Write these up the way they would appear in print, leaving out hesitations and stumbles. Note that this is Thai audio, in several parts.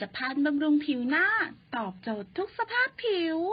ตภัณฑ์บำรุงผิวหน้าตอบโจทย์ทุกสภาพผิว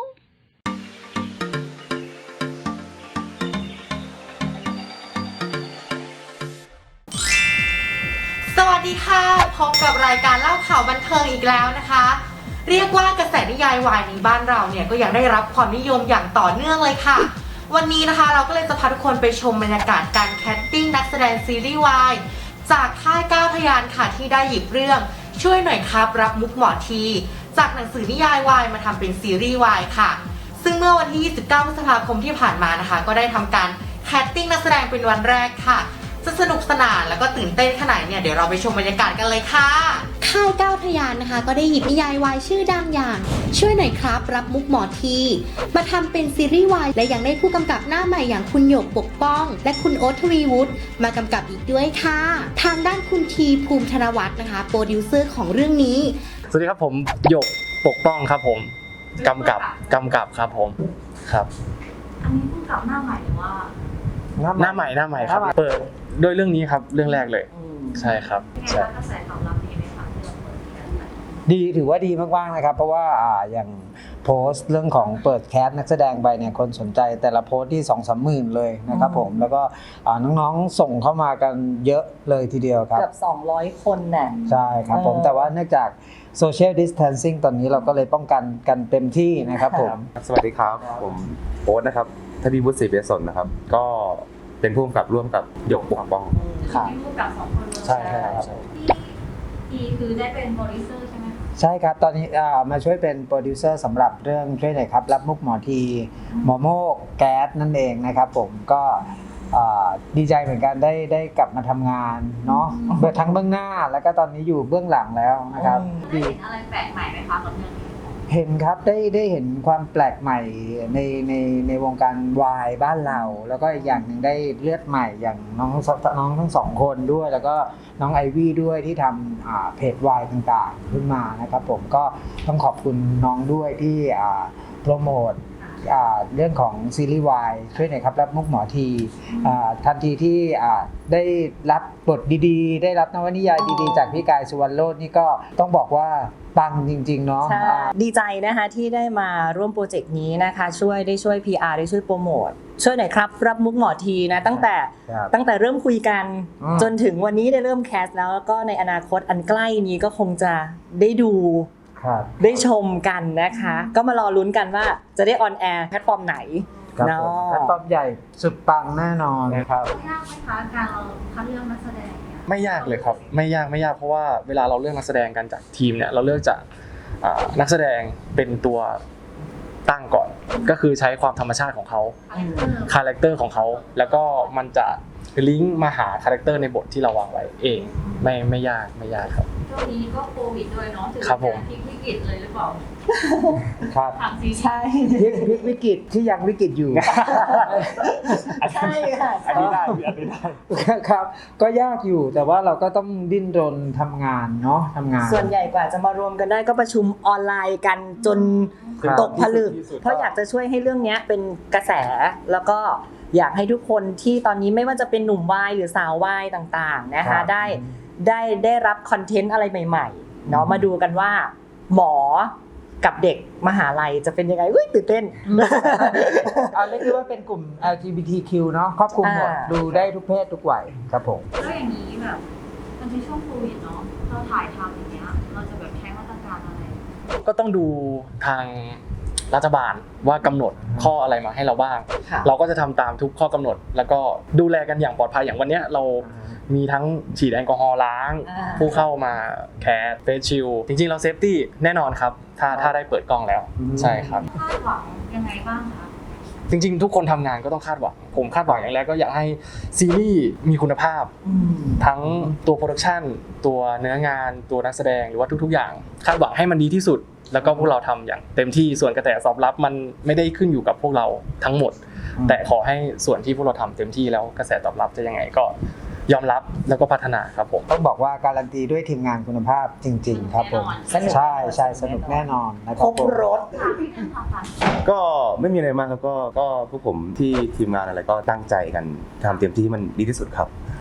สวัสดีค่ะพบกับรายการเล่าข่าวบันเทิงอีกแล้วนะคะเรียกว่ากระแสนิยายวายในบ้านเราเนี่ยก็ยังได้รับความนิยมอย่างต่อเนื่องเลยค่ะวันนี้นะคะเราก็เลยจะพาทุกคนไปชมบรรยากาศการแคสติ้งนักแสดงซีรีส์วายจากค่ายก้าวพยานค่ะที่ได้หยิบเรื่องช่วยหน่อยครับรับมุกหมอทีจากหนังสือนิยายวายมาทำเป็นซีรีส์วายค่ะซึ่งเมื่อวันที่ 29 พฤษภาคมที่ผ่านมานะคะก็ได้ทำการแคสติ้งนักแสดงเป็นวันแรกค่ะจะสนุกสนานแล้วก็ตื่นเต้นขนาดเนี่ยเดี๋ยวเราไปชมบรรยากาศกันเลยค่ะค่ายก้าวพยานนะคะก็ได้หยิบนิยายวายชื่อดังอย่างช่วยหน่อยครับรับมุกหมอทีมาทำเป็นซีรีส์วายและยังได้ผู้กำกับหน้าใหม่อย่างคุณหยกปกป้องและคุณโอ๊ตทวีวุฒิมากำกับอีกด้วยค่ะทางด้านคุณทีภูมิธนวัฒน์นะคะโปรดิวเซอร์ของเรื่องนี้สวัสดีครับผมหยกปกป้องครับผมกำกับครับผมครับอันนี้ผู้กำกับหน้าใหม่หรือว่าหน้าใหม่ครับเปิดด้วยเรื่องนี้ครับเรื่องแรกเลยใช่ครับใช่กระแสตอบรับดีไหมคะที่เราเปิดกันไปดีถือว่าดีมากๆนะครับเพราะว่าอย่างโพสต์เรื่องของเปิดแคสนักแสดงไปเนี่ยคนสนใจแต่ละโพสต์ที่ 2-3 หมื่นเลยนะครับผมแล้วก็น้องๆส่งเข้ามากันเยอะเลยทีเดียวครับเกือบ200 คนน่ะใช่ครับผมแต่ว่าเนื่องจากSocial Distancing ตอนนี้เราก็เลยป้องกันกันเต็มที่นะครับผมสวัสดีครับผมโอ๊ตนะครับทวีวุฒิศรีเบศนนะครับก็เป็นผู้กำกับร่วมกับหยกปกป้องค่ะเป็นผู้กำกับ2 คนเลยใช่ครับที่คือได้เป็นโปรดิวเซอร์ใช่ไหมคะใช่ครับตอนนี้มาช่วยเป็นโปรดิวเซอร์สำหรับเรื่องช่วยหน่อยครับรับมุกหมอทีหมอโมกแก๊สนั่นเองนะครับผมก็ดีใจเหมือนกันได้กลับมาทำงานเนาะทั้งเบื้องหน้าแล้วก็ตอนนี้อยู่เบื้องหลังแล้วนะครับได้เห็นอะไรแปลกใหม่ไหมคะกับเรื่องนี้เห็นครับได้เห็นความแปลกใหม่ในวงการวายบ้านเราแล้วก็อีกอย่างหนึ่งได้เลือดใหม่อย่างน้องทั้งสองคนด้วยแล้วก็น้องไอวี่ด้วยที่ทำเพจวายต่างๆขึ้นมานะครับผมก็ต้องขอบคุณน้องด้วยที่โปรโมทเรื่องของซีรีส์วายช่วยหน่อยครับรับมุกหมอทีทันทีที่ได้รับบทดีๆได้รับนวนิยายดีๆจากพี่กายสุวรรณโรจน์นี่ก็ต้องบอกว่าปังจริงๆเนาะดีใจนะคะที่ได้มาร่วมโปรเจกต์นี้นะคะได้ช่วย PR ได้ช่วยโปรโมทช่วยหน่อยครับรับมุกหมอทีนะตั้งแต่เริ่มคุยกันจนถึงวันนี้ได้เริ่มแคสแล้วก็ในอนาคตอันใกล้นี้ก็คงจะได้ดูได้ชมกันนะคะก็มารอลุ้นกันว่าจะได้ออนแอร์แพลตฟอร์มไหนเนาะแพลตฟอร์มใหญ่สุดปังแน่นอนครับยากไหมคะการเราคัดเลือกนักแสดงไม่ยากเลยครับไม่ยากเพราะว่าเวลาเราเลือกนักแสดงกันจากทีมเนี่ยเราเลือกจากนักแสดงเป็นตัวตั้งก่อนก็คือใช้ความธรรมชาติของเขาคาแรคเตอร์ของเขาแล้วก็มันจะลิงก์มาหาคาแรคเตอร์ในบทที่เราวางไว้เองไม่ยากครับช่วงนี้ก็โควิดด้วยเนาะถือเป็นวิกฤตเลยหรือเปล่าครับใช่วิกฤตที่ยังวิกฤตอยู่ใช่ค่ะอันนี้ได้ครับก็ยากอยู่แต่ว่าเราก็ต้องดิ้นรนทำงานเนาะทำงานส่วนใหญ่กว่าจะมารวมกันได้ก็ประชุมออนไลน์กันจนตกผลึกเพราะอยากจะช่วยให้เรื่องนี้เป็นกระแสแล้วก็อยากให้ทุกคนที่ตอนนี้ไม่ว่าจะเป็นหนุ่มวายหรือสาววายต่างๆนะคะได้รับคอนเทนต์อะไรใหม่ๆเนาะมาดูกันว่าหมอกับเด็กมหาลัยจะเป็นยังไงตื่นเต้นเรียกว่าเป็นกลุ่ม LGBTQ เนาะครอบคลุมหมดดูได้ทุกเพศทุกวัยครับผมแล้วอย่างนี้แบบมันเป็นช่วงโควิดเนาะเราถ่ายทำอย่างเงี้ยเราจะแบบใช้มาตรการอะไรก็ต้องดูทางรัฐบาลว่ากำหนดข้ออะไรมาให้เราบ้างเราก็จะทำตามทุกข้อกำหนดแล้วก็ดูแลกันอย่างปลอดภัยอย่างวันนี้เรามีทั้งฉีดแอลกอฮอล์ล้างผู้เข้ามาแคสเฟสชิลจริงๆเราเซฟตี้แน่นอนครับถ้าได้เปิดกล้องแล้วใช่ครับคาดหวังยังไงบ้างคะจริงๆทุกคนทำงานก็ต้องคาดหวังผมคาดหวังอย่างแรกก็อยากให้ซีรีส์มีคุณภาพทั้งตัวโปรดักชันตัวเนื้องานตัวนักแสดงหรือว่าทุกๆอย่างคาดหวังให้มันดีที่สุดแล้วก็พวกเราทำอย่างเต็มที่ส่วนกระแสตอบรับมันไม่ได้ขึ้นอยู่กับพวกเราทั้งหมดแต่ขอให้ส่วนที่พวกเราทำเต็มที่แล้วกระแสตอบรับจะยังไงก็ยอมรับแล้วก็พัฒนาครับผมต้องบอกว่าการันตีด้วยทีมงานคุณภาพจริงๆครับผมใช่สนุกแน่นอนนะครับครบรถก็ไม่มีอะไรมากครับก็พวกผมที่ทีมงานอะไรก็ตั้งใจกันทำเต็มที่ให้มันดีที่สุดครับ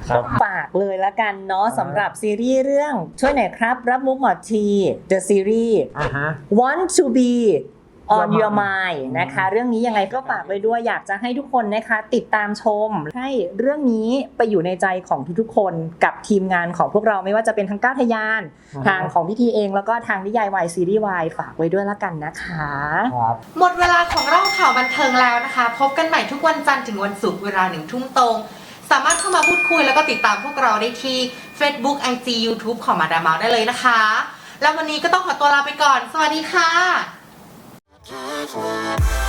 ครับฝากเลยละกันเนาะสำหรับซีรีส์เรื่องช่วยหน่อยครับรับมุกหมอที The Series อ่าฮะ Want to be on Your your mind mind นะคะ เรื่องนี้ยังไงก็ฝากไว้ด้วยอยากจะให้ทุกคนนะคะติดตามชมให้เรื่องนี้ไปอยู่ในใจของทุกๆคนกับทีมงานของพวกเราไม่ว่าจะเป็นทั้งก้าวทะยาน ทางของพี่ทีเองแล้วก็ทางนิยายวายซีรีส์วายฝากไว้ด้วยละกันนะคะครับหมดเวลาของเล่าข่าวบันเทิงแล้วนะคะ พบกันใหม่ทุกวันจันทร์ถึงวันศุกร์เวลา1 ทุ่มตรง สามารถเข้ามาพูดคุยแล้วก็ติดตามพวกเราได้ที่ Facebook IG YouTube ของมาดามเมาได้เลยนะคะ แล้ววันนี้ก็ต้องขอตัวลาไปก่อน สวัสดีค่ะ